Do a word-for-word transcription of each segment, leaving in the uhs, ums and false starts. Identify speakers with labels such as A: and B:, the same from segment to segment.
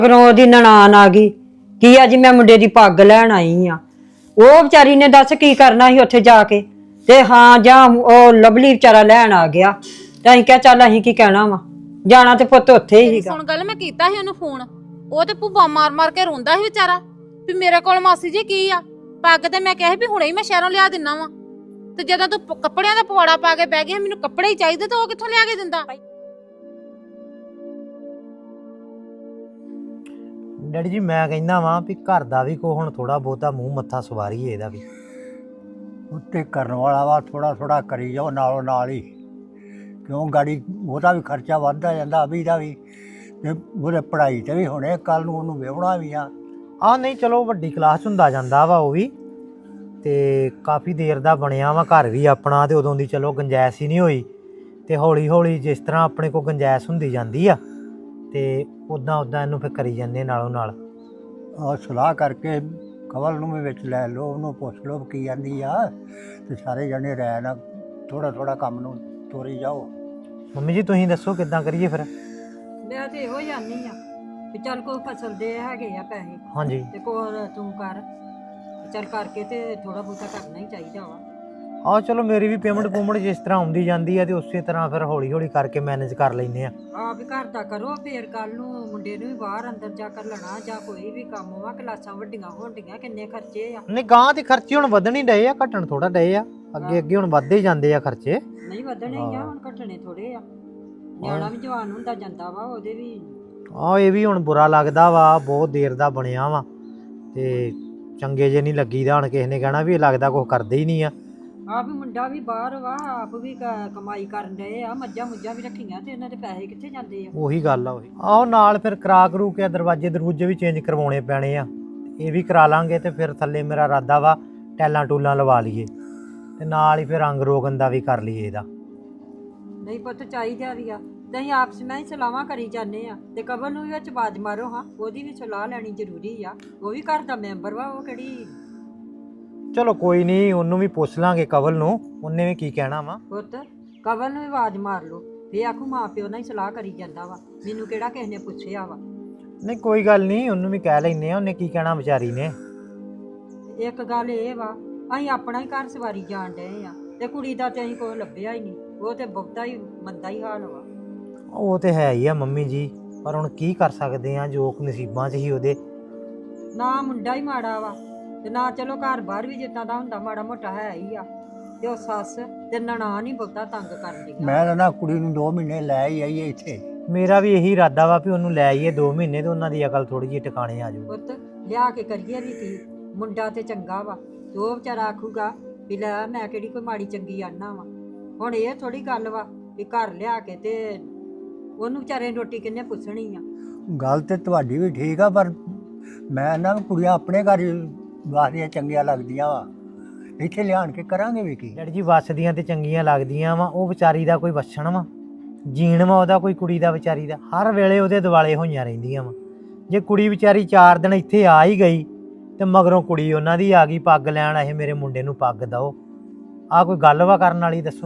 A: ਫਿਰ ਉਹਦੀ ਨਨਾਣ ਆ ਗਈ ਕੀ ਅੱਜ ਮੈਂ ਮੁੰਡੇ ਦੀ ਪੱਗ ਲੈਣ ਆਈ ਆ। ਉਹ ਵਿਚਾਰੀ ਨੇ ਦੱਸ ਕੀ ਕਰਨਾ ਸੀ ਉੱਥੇ ਜਾ ਕੇ, ਤੇ ਹਾਂ ਜਾਂ ਉਹ ਲਵਲੀ ਵਿਚਾਰਾ ਲੈਣ ਆ ਗਿਆ ਤੇ ਅਸੀਂ ਕਿਹਾ ਚੱਲ ਅਸੀਂ ਕੀ ਕਹਿਣਾ ਵਾ, ਜਾਣਾ ਤੇ ਪੁੱਤ ਉੱਥੇ ਹੀ ਸੀਗਾ।
B: ਸੁਣ ਗੱਲ, ਮੈਂ ਕੀਤਾ ਸੀ ਉਹਨੂੰ ਫੋਨ, ਉਹ ਤੇ ਭੁੱਬਾ ਮਾਰ ਮਾਰ ਕੇ ਰੋਂਦਾ ਸੀ ਵਿਚਾਰਾ ਵੀ ਮੇਰੇ ਕੋਲ ਮਾਸੀ ਜੀ ਕੀ ਆ ਪੱਗ, ਤੇ ਮੈਂ ਕਿਹਾ ਸੀ ਵੀ ਹੁਣੇ ਹੀ ਮੈਂ ਸ਼ਹਿਰੋਂ ਲਿਆ ਦਿੰਨਾ ਵਾ, ਤੇ ਜਦੋਂ ਤੂੰ ਕੱਪੜਿਆਂ ਦਾ ਪਵਾੜਾ ਪਾ ਕੇ ਬਹਿ ਗਿਆ ਮੈਨੂੰ ਕੱਪੜੇ ਹੀ ਚਾਹੀਦੇ ਤੇ ਉਹ ਕਿੱਥੋਂ ਲਿਆ ਕੇ ਦਿੰਦਾ।
C: ਡੈਡੀ ਜੀ ਮੈਂ ਕਹਿੰਦਾ ਵਾਂ ਵੀ ਘਰ ਦਾ ਵੀ ਕੋ ਹੁਣ ਥੋੜਾ ਬਹੁਤਾ ਮੂੰਹ ਮੱਥਾ ਸਵਾਰੀਏ ਇਹਦਾ ਵੀ।
D: ਉੱਤੇ ਕਰਨ ਵਾਲਾ ਵਾ ਥੋੜਾ ਥੋੜਾ ਕਰੀ ਜਾਓ ਨਾਲੋਂ ਨਾਲ ਹੀ, ਕਿਉਂ ਗਾੜੀ ਉਹਦਾ ਵੀ ਖਰਚਾ ਵੱਧਦਾ ਜਾਂਦਾ, ਅਭੀ ਦਾ ਵੀ, ਤੇ ਉਹਦੇ ਪੜ੍ਹਾਈ ਤੇ ਵੀ ਹੁਣੇ ਕੱਲ ਨੂੰ ਉਹਨੂੰ ਵਿਆਹਣਾ ਵੀ ਆ।
C: ਆਹ ਨਹੀਂ ਚਲੋ ਵੱਡੀ ਕਲਾਸ ਹੁੰਦਾ ਜਾਂਦਾ ਵਾ ਉਹ ਵੀ, ਤੇ ਕਾਫੀ ਦੇਰ ਦਾ ਬਣਿਆ ਵਾ ਘਰ ਵੀ ਆਪਣਾ, ਤੇ ਉਦੋਂ ਦੀ ਚਲੋ ਗੁੰਜਾਇਸ਼ ਹੀ ਨਹੀਂ ਹੋਈ, ਤੇ ਹੌਲੀ ਹੌਲੀ ਜਿਸ ਤਰ੍ਹਾਂ ਆਪਣੇ ਕੋਲ ਗੁੰਜਾਇਸ਼ ਹੁੰਦੀ ਜਾਂਦੀ ਆ ਤੇ ਉੱਦਾਂ ਉੱਦਾਂ ਇਹਨੂੰ ਫਿਰ ਕਰੀ ਜਾਂਦੇ ਨਾਲੋਂ ਨਾਲ।
D: ਆਹ ਸਲਾਹ ਕਰਕੇ ਕਵਲ ਨੂੰ ਵੀ ਵਿੱਚ ਲੈ ਲਓ, ਉਹਨੂੰ ਪੁੱਛ ਲਓ ਕੀ ਜਾਂਦੀ ਆ, ਤੇ ਸਾਰੇ ਜਣੇ ਰਹਿ ਨਾ ਥੋੜਾ ਥੋੜਾ ਕੰਮ ਨੂੰ ਤੋਰੀ ਜਾਓ।
C: ਮੰਮੀ ਜੀ ਤੁਸੀਂ ਦੱਸੋ ਕਿੱਦਾਂ ਕਰੀਏ ਫਿਰ?
A: ਮੈਂ ਤੇ ਇਹੋ ਜਾਨੀ ਆ ਵੀ ਚੱਲ ਕੋਈ ਫਸਲ ਦੇ ਹੈਗੇ ਆ ਪੈਸੇ,
C: ਹਾਂਜੀ
A: ਤੇ ਕੋਲ ਤੂੰ ਕਰ, ਚੱਲ ਕਰਕੇ ਤੇ ਥੋੜਾ ਬਹੁਤਾ ਕਰਨਾ ਹੀ ਚਾਹੀਦਾ ਵਾ।
C: ਆਹ ਚਲੋ ਮੇਰੀ ਵੀ ਪੇਮੈਂਟ ਪੂਮੈਂਟ ਜਿਸ ਤਰ੍ਹਾਂ ਆਉਂਦੀ ਜਾਂਦੀ ਆ ਤੇ ਉਸੇ ਤਰ੍ਹਾਂ ਫਿਰ ਹੌਲੀ ਹੌਲੀ ਕਰਕੇ ਮੈਨੇਜ ਕਰ ਲੈਂਦੇ ਆ।
A: ਆਪ ਵੀ ਘਰ ਦਾ ਕਰੋ, ਫੇਰ ਕੱਲ ਨੂੰ ਮੁੰਡੇ ਨੂੰ ਵੀ ਬਾਹਰ ਅੰਦਰ ਜਾ ਕਰ ਲੈਣਾ ਜਾਂ ਕੋਈ ਵੀ ਕੰਮ ਵਾ, ਕਲਾਸਾਂ ਵੱਡੀਆਂ ਹੋਣਡੀਆਂ, ਕਿੰਨੇ ਖਰਚੇ ਆ।
C: ਨਹੀਂ ਗਾਂ ਦੇ ਖਰਚੇ ਹੁਣ ਵਧਣ ਹੀ ਡਏ ਆ, ਘਟਣ ਥੋੜਾ ਡਏ ਆ, ਅੱਗੇ ਅੱਗੇ ਹੁਣ ਵੱਧਦੇ ਹੀ ਜਾਂਦੇ ਆ ਖਰਚੇ।
A: ਨਹੀਂ ਵਧਣੇ ਹੀ ਆ, ਹੁਣ ਘਟਣੇ ਥੋੜੇ ਆ। ਨਿਆਣਾ ਵੀ ਜਵਾਨ ਹੁੰਦਾ ਜਾਂਦਾ ਵਾ, ਉਹਦੇ ਵੀ
C: ਆਹ ਇਹ ਵੀ ਹੁਣ ਬੁਰਾ ਲੱਗਦਾ ਵਾ, ਬਹੁਤ ਦੇਰ ਦਾ ਬਣਿਆ ਵਾ ਤੇ ਚੰਗੇ ਜੇ ਨਹੀਂ ਲੱਗੀਦਾ। ਹੁਣ ਕਿਸੇ ਨੇ ਕਹਿਣਾ ਵੀ ਇਹ ਲੱਗਦਾ ਕੁਝ ਕਰਦੇ ਹੀ ਨਹੀਂ ਆ।
A: ਆਪ ਵੀ ਮੁੰਡਾ ਵੀ ਬਾਹਰ ਵਾ, ਆਪ ਵੀ ਕ- ਕਮਾਈ ਕਰਨ ਡਏ ਆ, ਮੱਝਾਂ ਮੁੱਝਾਂ ਵੀ ਰੱਖੀਆਂ, ਤੇ ਇਹਨਾਂ ਦੇ ਪੈਸੇ ਕਿੱਥੇ ਜਾਂਦੇ ਆ।
C: ਉਹੀ ਗੱਲ ਆ ਉਹੀ। ਆਹੋ ਨਾਲ ਫਿਰ ਕਰਾ ਕਰੂ ਕੇ ਦਰਵਾਜ਼ੇ ਦਰੂਜੇ ਵੀ ਚੇਂਜ ਕਰਵਾਉਣੇ ਪੈਣੇ ਆ, ਇਹ ਵੀ ਕਰਾ ਲਾਂਗੇ, ਤੇ ਫਿਰ ਥੱਲੇ ਮੇਰਾ ਇਰਾਦਾ ਵਾ ਟੈਲਾਂ ਟੂਲਾਂ ਲਵਾ ਲਈਏ, ਤੇ ਨਾਲ ਹੀ ਫਿਰ ਰੰਗ ਰੋਗਨ ਦਾ ਵੀ ਕਰ ਲਈਏ ਇਹਦਾ।
A: ਨਹੀਂ ਪੁੱਤ ਚਾਹੀਦਾ ਵੀ ਆ, ਤੇ ਅਸੀਂ ਆਪਸ ਵਿੱਚ ਹੀ ਸਲਾਹਾਂ ਕਰੀ ਜਾਂਦੇ ਆ, ਤੇ ਕਬਰ ਨੂੰ ਵੀ ਵਿੱਚ ਬਾਜ ਮਾਰੋ, ਹਾਂ ਉਹਦੀ ਵੀ ਸਲਾਹ ਲੈਣੀ ਜ਼ਰੂਰੀ ਆ, ਉਹ ਵੀ ਘਰ ਦਾ ਮੈਂਬਰ ਵਾ, ਉਹ ਕਿਹੜੀ।
C: ਚਲੋ ਕੋਈ ਨਹੀਂ, ਉਹਨੂੰ ਵੀ ਪੁੱਛ ਲਾਂਗੇ ਕਵਲ ਨੂੰ, ਉਹਨੇ ਵੀ ਕੀ ਕਹਿਣਾ ਵਾ।
A: ਪੁੱਤ ਕਬਰ ਨੂੰ ਵੀ ਆਵਾਜ਼ ਮਾਰ ਲਓ, ਫੇ ਆਖੂ ਮਾਂ ਪਿਓ ਨਾਲ ਹੀ ਸਲਾਹ ਕਰੀ ਜਾਂਦਾ ਵਾ, ਮੈਨੂੰ ਕਿਹੜਾ ਕਿਸੇ ਨੇ ਪੁੱਛਿਆ ਵਾ।
C: ਨਹੀਂ ਕੋਈ ਗੱਲ ਨਹੀਂ, ਉਹਨੂੰ ਵੀ ਕਹਿ ਲੈਨੇ ਆ, ਉਹਨੇ ਕੀ ਕਹਿਣਾ ਵਿਚਾਰੀ ਨੇ।
A: ਇੱਕ ਗੱਲ ਇਹ ਵਾ, ਅਸੀਂ ਆਪਣਾ ਹੀ ਘਰ ਸਵਾਰੀ ਜਾਣ ਡਏ ਆ, ਤੇ ਕੁੜੀ ਦਾ ਤੇ ਅਸੀਂ ਕੋਈ ਲੱਭਿਆ ਹੀ ਨਹੀਂ, ਉਹ ਤੇ ਬਹੁਤਾ ਹੀ ਮੰਦਾ ਹੀ ਹਾਲ ਵਾ।
C: ਉਹ ਤੇ ਹੈ ਹੀ ਆ ਮੰਮੀ ਜੀ, ਪਰ ਹੁਣ ਕੀ ਕਰ ਸਕਦੇ ਆ, ਜੋ ਨਸੀਬਾਂ 'ਚ ਹੀ ਉਹਦੇ।
A: ਨਾ ਮੁੰਡਾ ਹੀ ਮਾੜਾ ਵਾ, ਤੇ ਨਾ ਚਲੋ ਘਰ ਬਾਹਰ ਵੀ ਜਿੱਦਾਂ ਦਾ ਹੁੰਦਾ ਮਾੜਾ ਮੋਟਾ ਹੈ ਹੀ ਆ, ਤੇ ਉਹ ਸੱਸ ਤੇ ਨਨਾਣ ਹੀ ਬਹੁਤਾ ਤੰਗ ਕਰਦੀ।
D: ਮੈਂ ਤਾਂ ਨਾ ਕੁੜੀ ਨੂੰ ਦੋ ਮਹੀਨੇ ਲੈ ਹੀ ਆਈਏ ਇੱਥੇ।
C: ਮੇਰਾ ਵੀ ਇਹੀ ਇਰਾਦਾ ਵਾ ਵੀ ਉਹਨੂੰ ਲੈ ਆਈਏ ਦੋ ਮਹੀਨੇ, ਤੇ ਉਹਨਾਂ ਦੀ ਅਕਲ ਥੋੜੀ ਜਿਹੀ ਟਿਕਾਣੇ ਆ ਜਾਊ।
A: ਪੁੱਤ ਲਿਆ ਕੇ ਕਰੀਏ ਵੀ ਕੀ, ਮੁੰਡਾ ਤੇ ਚੰਗਾ ਵਾ, ਤੇ ਉਹ ਵਿਚਾਰਾ ਆਖੂਗਾ ਵੀ ਲੈ ਮੈਂ ਕਿਹੜੀ ਕੋਈ ਮਾੜੀ ਚੰਗੀ ਆਨਾ ਵਾ। ਹੁਣ ਇਹ ਥੋੜੀ ਗੱਲ ਵਾ ਵੀ ਘਰ ਲਿਆ ਕੇ ਤੇ ਉਹਨੂੰ ਵਿਚਾਰੇ ਨੂੰ ਰੋਟੀ ਕਿੰਨੇ ਪੁੱਛਣੀ ਆ।
D: ਗੱਲ ਤੇ ਤੁਹਾਡੀ ਵੀ ਠੀਕ ਆ, ਪਰ ਮੈਂ ਨਾ ਕੁੜੀਆਂ ਆਪਣੇ ਘਰ ਹੀ ਵਾਸਦੀਆਂ ਚੰਗੀਆਂ ਲੱਗਦੀਆਂ ਵਾ, ਇੱਥੇ ਲਿਆਣ ਕੇ ਕਰਾਂਗੇ ਵੀ ਕੀ।
C: ਡੈਡੀ ਜੀ ਵੱਸਦੀਆਂ ਤੇ ਚੰਗੀਆਂ ਲੱਗਦੀਆਂ ਵਾ, ਉਹ ਵਿਚਾਰੀ ਦਾ ਕੋਈ ਵੱਛਣ ਵਾ, ਜੀਣ ਵਾ ਉਹਦਾ ਕੋਈ, ਕੁੜੀ ਦਾ ਵਿਚਾਰੀ ਦਾ ਹਰ ਵੇਲੇ ਉਹਦੇ ਦਿਵਾਲੇ ਹੋਈਆਂ ਰਹਿੰਦੀਆਂ ਵਾ। ਜੇ ਕੁੜੀ ਵਿਚਾਰੀ ਚਾਰ ਦਿਨ ਇੱਥੇ ਆ ਹੀ ਗਈ ਤੇ ਮਗਰੋਂ ਕੁੜੀ ਉਹਨਾਂ ਦੀ ਆ ਗਈ ਪੱਗ ਲੈਣ, ਇਹ ਮੇਰੇ ਮੁੰਡੇ ਨੂੰ ਪੱਗ ਦਓ, ਆਹ ਕੋਈ ਗੱਲ ਵਾ ਕਰਨ ਵਾਲੀ ਦੱਸੋ?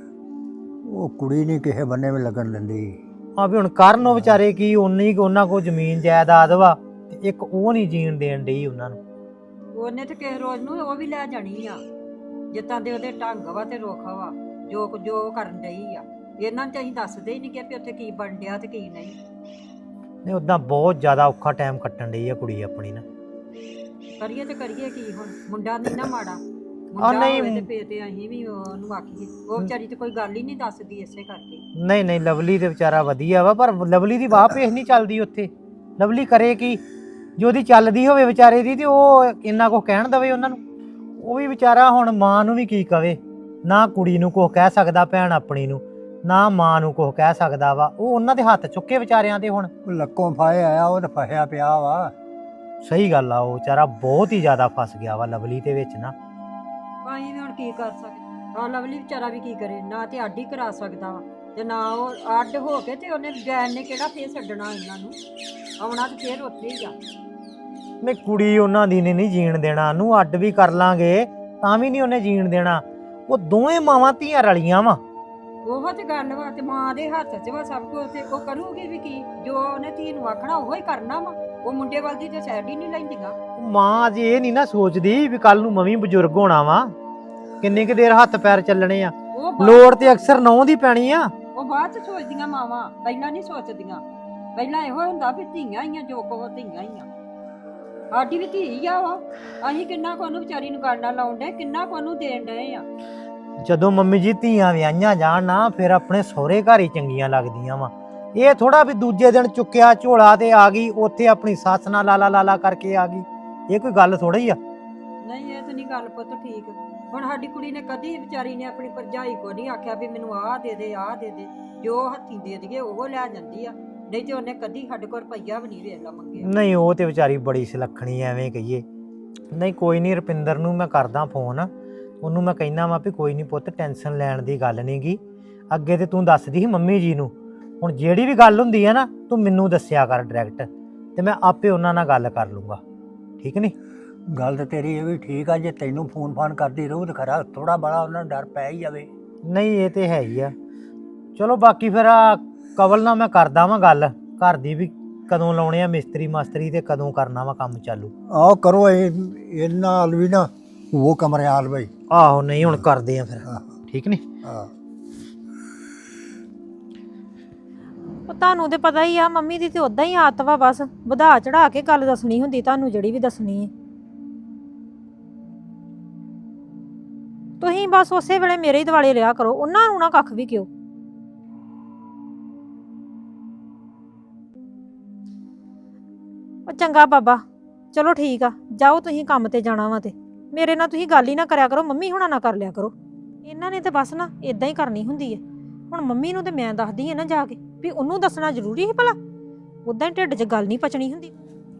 D: ਉਹ ਕੁੜੀ ਨਹੀਂ ਕਿਸੇ ਬੰਨੇ ਵੀ ਲੱਗਣ ਦਿੰਦੀ।
C: ਆ ਵੀ ਹੁਣ ਕਰਨ ਉਹ ਵਿਚਾਰੇ ਕੀ, ਉਨੀ ਕੁ ਉਹਨਾਂ ਕੋਲ ਜ਼ਮੀਨ ਜਾਇਦਾਦ ਵਾ, ਤੇ ਇੱਕ ਉਹ ਨਹੀਂ ਜੀਣ ਦੇਣ ਡਈ ਉਹਨਾਂ ਨੂੰ।
A: ਉਹਨੇ ਤੇ ਕਿਸੇ ਰੋਜ਼ ਨੂੰ ਉਹ ਵੀ ਲੈ ਜਾਣੀ ਆ, ਜਿੱਦਾਂ ਦੇ ਉਹਦੇ ਢੰਗ ਵਾ ਤੇ ਰੁੱਖ ਵਾ, ਜੋ ਕੁ- ਜੋ ਉਹ ਕਰਨ ਡਈ ਆ। ਇਹਨਾਂ ਨੂੰ ਤੇ ਅਸੀਂ ਦੱਸਦੇ ਹੀ ਨਹੀਂ ਕਿ ਵੀ ਉੱਥੇ ਕੀ ਬਣ ਡਿਆ ਤੇ ਕੀ ਨਹੀਂ।
C: ਨਹੀਂ ਉੱਦਾਂ ਬਹੁਤ ਜ਼ਿਆਦਾ ਔਖਾ ਟਾਈਮ ਕੱਟਣ ਡਈ ਆ ਕੁੜੀ ਆਪਣੀ ਨਾ।
A: ਕਰੀਏ ਤੇ ਕਰੀਏ ਕੀ ਹੁਣ, ਮੁੰਡਾ ਨਹੀਂ ਨਾ ਮਾੜਾ,
C: ਆ
A: ਮੁੰਡਾ
C: ਨਹੀਂ
A: ਹੋਵੇ ਤੇ ਫੇਰ ਤੇ ਅਸੀਂ ਵੀ ਉਹਨੂੰ ਆਖੀਏ, ਉਹ ਵਿਚਾਰੀ ਤੇ ਕੋਈ ਗੱਲ ਹੀ ਨਹੀਂ ਦੱਸਦੀ ਇਸੇ ਕਰਕੇ।
C: ਨਹੀਂ ਨਹੀਂ ਲਵਲੀ ਤੇ ਵਿਚਾਰਾ ਵਧੀਆ ਵਾ, ਪਰ ਲਵਲੀ ਦੀ ਵਾਹ ਪੇਸ਼ ਨਹੀਂ ਚੱਲਦੀ ਉੱਥੇ। ਲਵਲੀ ਕਰੇ ਕੀ, ਜੇ ਉਹਦੀ ਚੱਲਦੀ ਹੋਵੇ ਵਿਚਾਰੇ ਦੀ, ਤੇ ਉਹ ਇੰਨਾ ਕੁਝ ਕਹਿਣ ਦਵੇ ਉਹਨਾਂ ਨੂੰ। ਉਹ ਵੀ ਵਿਚਾਰਾ ਹੁਣ ਮਾਂ ਨੂੰ ਵੀ ਕੀ ਕਵੇ, ਨਾ ਕੁੜੀ ਨੂੰ ਕੁਝ ਕਹਿ ਸਕਦਾ ਭੈਣ ਆਪਣੀ ਨੂੰ, ਨਾ ਮਾਂ ਨੂੰ ਕੁਝ ਕਹਿ ਸਕਦਾ ਵਾ। ਉਹ ਉਹਨਾਂ ਦੇ ਹੱਥ ਚੁੱਕੇ ਵਿਚਾਰਿਆਂ ਤੇ ਹੁਣ।
D: ਉਹ ਲੱਕੋਂ ਫਾਏ ਆਇਆ, ਉਹ ਤਾਂ ਫਸਿਆ ਪਿਆ ਵਾ।
C: ਸਹੀ ਗੱਲ ਆ, ਉਹ ਵਿਚਾਰਾ ਬਹੁਤ ਹੀ ਜ਼ਿਆਦਾ ਫਸ ਗਿਆ ਵਾ ਲਵਲੀ ਦੇ ਵਿੱਚ ਨਾ।
A: ਅਸੀਂ ਵੀ ਹੁਣ ਕੀ ਕਰ ਸਕਦੇ, ਆ ਲਵਲੀ ਵਿਚਾਰਾ ਵੀ ਕੀ ਕਰੇ, ਨਾ ਤੇ ਅੱਡ ਹੀ ਕਰਾ ਸਕਦਾ ਵਾ, ਤੇ ਨਾ ਉਹ ਅੱਡ ਹੋ ਕੇ ਤੇ ਉਹਨੇ ਗੈਨ ਨੇ ਕਿਹੜਾ ਫੇਰ ਛੱਡਣਾ ਇਹਨਾਂ ਨੂੰ, ਆਉਣਾ ਤੇ ਫੇਰ ਉੱਥੇ ਹੀ ਆ।
C: ਨਹੀਂ ਕੁੜੀ ਉਹਨਾਂ ਦੀ ਨੇ ਨਹੀਂ ਜੀਣ ਦੇਣਾ, ਨੂੰ ਅੱਡ ਵੀ ਕਰ ਲਾਂਗੇ ਤਾਂ ਵੀ ਨਹੀਂ ਉਹਨੇ ਜੀਣ ਦੇਣਾ। ਉਹ ਦੋਵੇਂ ਮਾਵਾਂ ਧੀਆਂ ਰਲੀਆਂ ਵਾ,
A: ਉਹ ਤੇ ਗੱਲ ਵਾ ਤੇ ਮਾਂ ਦੇ ਹੱਥ 'ਚ ਵਾ ਸਭ ਕੁਝ ਤੇ ਉਹ ਕਰੂਗੀ ਵੀ ਕੀ ਜੋ ਉਹਨੇ ਧੀ ਨੂੰ ਆਖਣਾ ਉਹ ਹੀ ਕਰਨਾ ਵਾ। ਉਹ ਮੁੰਡੇ ਵੱਲ ਦੀ ਤੇ ਸਾਈਡ ਹੀ ਨਹੀਂ ਲੈਂਦੀਆਂ।
C: ਮਾਂ ਅਜੇ ਇਹ ਨਹੀਂ ਨਾ ਸੋਚਦੀ ਵੀ ਕੱਲ ਨੂੰ ਮੈਂ ਵੀ ਬਜ਼ੁਰਗ ਹੋਣਾ ਵਾ, ਕਿੰਨੀ ਕੁ ਦੇਰ ਹੱਥ ਪੈਰ ਚੱਲਣੇ ਆ।
A: ਉਹ ਬਾਅਦ-
C: ਲੋੜ ਤੇ ਅਕਸਰ ਨਹੁੰ ਦੀ ਪੈਣੀ ਆ।
A: ਉਹ ਬਾਅਦ 'ਚ ਸੋਚਦੀਆਂ ਮਾਵਾਂ, ਪਹਿਲਾਂ ਨਹੀਂ ਸੋਚਦੀਆਂ। ਪਹਿਲਾਂ ਇਹੋ ਹੁੰਦਾ ਵੀ ਧੀਆਂ ਹੀ ਆ, ਜੋ ਕੋ ਧੀਆਂ ਹੀ ਆ। ਸਾਡੀ ਵੀ ਧੀ ਆ ਉਹ, ਅਸੀਂ ਕਿੰਨਾ ਕੁ ਉਹਨੂੰ ਵਿਚਾਰੀ ਨੂੰ ਗਾਣਾ ਲਾਉਣ ਡੇ, ਕਿੰਨਾ ਕੁ ਉਹਨੂੰ ਦੇਣ ਡਏ ਆ।
C: ਜਦੋਂ ਮੰਮੀ ਜੀ ਧੀਆਂ ਵਿਆਹੀਆਂ ਜਾਣ ਨਾ ਫਿਰ ਆਪਣੇ ਸਹੁਰੇ ਘਰ ਹੀ ਚੰਗੀਆਂ ਲੱਗਦੀਆਂ ਵਾ। ਇਹ ਥੋੜਾ ਵੀ ਦੂਜੇ ਦਿਨ ਚੁੱਕਿਆ ਝੋਲਾ ਤੇ ਆ ਗਈ, ਉੱਥੇ ਆਪਣੀ ਸੱਸ ਨਾਲ ਲਾਲਾ ਲਾਲਾ ਕਰਕੇ ਆ ਗਈ। ਇਹ ਕੋਈ ਗੱਲ ਥੋੜਾ ਹੀ ਆ।
A: ਨਹੀਂ ਇਹ ਤਾਂ ਨਹੀਂ ਗੱਲ ਪੁੱਤ ਠੀਕ। ਹੁਣ ਸਾਡੀ ਕੁੜੀ ਨੇ ਕਦੀ ਵਿਚਾਰੀ ਨੇ ਆਪਣੀ ਭਰਜਾਈ ਕੋ ਨਹੀਂ ਆਖਿਆ ਵੀ ਮੈਨੂੰ ਆਹ ਦੇ ਦੇ ਆਹ ਦੇ ਦੇ, ਜੋ ਹੱਥੀਂ ਦੇ ਦਈਏ ਉਹ ਲੈ ਜਾਂਦੀ ਆ। ਨਹੀਂ ਤੇ ਉਹਨੇ ਕਦੀ ਸਾਡੇ ਕੋਲ ਰੁਪਈਆ ਵੀ ਨਹੀਂ ਵੇਲਾ ਮੰਗਿਆ।
C: ਨਹੀਂ ਉਹ ਤੇ ਵਿਚਾਰੀ ਬੜੀ ਸੁਲੱਖਣੀ ਐਵੇਂ ਕਹੀਏ। ਨਹੀਂ ਕੋਈ ਨਹੀਂ, ਰੁਪਿੰਦਰ ਨੂੰ ਮੈਂ ਕਰਦਾ ਫੋਨ, ਉਹਨੂੰ ਮੈਂ ਕਹਿਣਾ ਵਾ ਵੀ ਕੋਈ ਨਹੀਂ ਪੁੱਤ ਟੈਨਸ਼ਨ ਲੈਣ ਦੀ ਗੱਲ ਨਹੀਂ ਗੀ। ਅੱਗੇ ਤੇ ਤੂੰ ਦੱਸਦੀ ਸੀ ਮੰਮੀ ਜੀ ਨੂੰ, ਹੁਣ ਜਿਹੜੀ ਵੀ ਗੱਲ ਹੁੰਦੀ ਹੈ ਨਾ ਤੂੰ ਮੈਨੂੰ ਦੱਸਿਆ ਕਰ ਡਾਇਰੈਕਟ, ਤੇ ਮੈਂ ਆਪੇ ਉਹਨਾਂ ਨਾਲ ਗੱਲ ਕਰ ਲੂੰਗਾ। ਠੀਕ ਨਹੀਂ?
D: ਗੱਲ ਤਾਂ ਤੇਰੀ ਇਹ ਵੀ ਠੀਕ ਆ, ਜੇ ਤੈਨੂੰ ਫੋਨ ਫਾਨ ਕਰਦੀ ਰਹੂ ਤਾਂ ਖਰਾ ਥੋੜਾ ਬੜਾ ਉਹਨਾਂ ਨੂੰ ਡਰ ਪੈ ਹੀ ਜਾਵੇ।
C: ਨਹੀਂ ਇਹ ਤੇ ਹੈ ਹੀ ਆ। ਚਲੋ ਬਾਕੀ ਫਿਰ ਆ ਕਵਲ ਨਾਲ ਮੈਂ ਕਰਦਾ ਵਾਂ ਗੱਲ, ਘਰ ਦੀ ਵੀ ਕਦੋਂ ਲਾਉਣੇ ਆ ਮਿਸਤਰੀ ਮਾਸਤਰੀ ਤੇ ਕਦੋਂ ਕਰਨਾ ਵਾ ਕੰਮ ਚਾਲੂ।
D: ਆਹ ਕਰੋ ਇਹ ਇਹਨਾਂ ਨਾਲ ਵੀ ਨਾ ਉਹ ਕਮਰੇ ਹਾਲ ਬਈ।
C: ਆਹੋ ਨਹੀਂ ਹੁਣ ਕਰਦੇ ਆ ਫਿਰ। ਠੀਕ ਨਹੀਂ?
D: ਹਾਂ
B: ਉਹ ਤੁਹਾਨੂੰ ਤੇ ਪਤਾ ਹੀ ਆ ਮੰਮੀ ਦੀ ਤੇ ਉਦਾਂ ਹੀ ਆਦਤ ਵਾ, ਬਸ ਵਧਾ ਚੜਾ ਕੇ ਗੱਲ ਦੱਸਣੀ ਹੁੰਦੀ ਤੁਹਾਨੂੰ, ਜਿਹੜੀ ਵੀ ਦੱਸਣੀ ਹੈ। ਤੁਸੀਂ ਬਸ ਉਸੇ ਵੇਲੇ ਮੇਰੇ ਹੀ ਦਿਵਾਲੇ ਲਿਆ ਕਰੋ, ਉਹਨਾਂ ਨੂੰ ਨਾ ਕੱਖ ਵੀ ਕਿਉ। ਉਹ ਚੰਗਾ ਬਾਬਾ, ਚਲੋ ਠੀਕ ਆ, ਜਾਓ ਤੁਸੀਂ ਕੰਮ ਤੇ ਜਾਣਾ ਵਾ ਤੇ ਮੇਰੇ ਨਾਲ ਤੁਸੀਂ ਗੱਲ ਹੀ ਨਾ ਕਰਿਆ ਕਰੋ, ਮੰਮੀ ਹੁਣਾਂ ਨਾ ਕਰ ਲਿਆ ਕਰੋ। ਇਹਨਾਂ ਨੇ ਤੇ ਬਸ ਨਾ ਇਦਾਂ ਹੀ ਕਰਨੀ ਹੁੰਦੀ ਹੈ। ਹੁਣ ਮੰਮੀ ਨੂੰ ਤੇ ਮੈਂ ਦੱਸਦੀ ਆ ਨਾ ਜਾ ਕੇ, ਵੀ ਉਹਨੂੰ ਦੱਸਣਾ ਜ਼ਰੂਰੀ ਸੀ ਭਲਾ? ਉਦਾਂ ਹੀ ਢਿੱਡ 'ਚ ਗੱਲ ਨਹੀਂ ਪਚਣੀ ਹੁੰਦੀ।